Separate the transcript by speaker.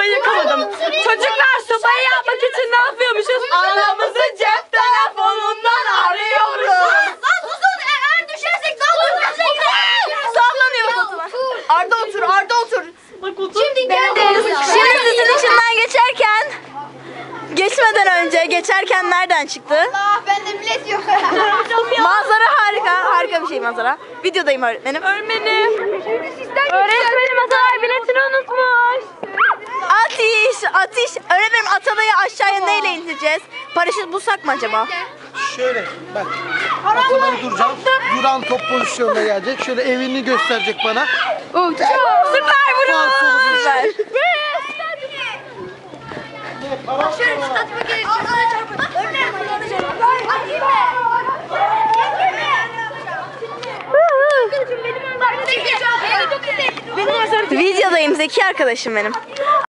Speaker 1: sobayı yakamadım. Çocuklar sobayı yapmak için ne yapıyormuşuz? Anamızı cep telefonundan arıyoruz.
Speaker 2: Lan susun, eğer düşersek
Speaker 1: Sallanıyor Fatma. Arda otur, Arda otur.
Speaker 2: Şimdi gel.
Speaker 1: Şimdi sizin içinden geçerken nereden çıktı?
Speaker 2: Allah, bende bilet yok.
Speaker 1: Manzara harika bir şey manzara. Videodayım öğretmenim. Öğretmenim Atalay biletini unutmuş. Ateş. Öğretmenim Atalay'ı aşağıya neyle indireceğiz? Paraşüt bulsak mı acaba?
Speaker 3: Şöyle bak. Ataları duracağım. Duran top pozisyonuna gelecek. Şöyle evini gösterecek bana.
Speaker 1: Süper vurun. Süper.
Speaker 2: Şöyle çıkartma gerek. Örneğin bana çarpın.
Speaker 1: Videodayım Zeki arkadaşım benim.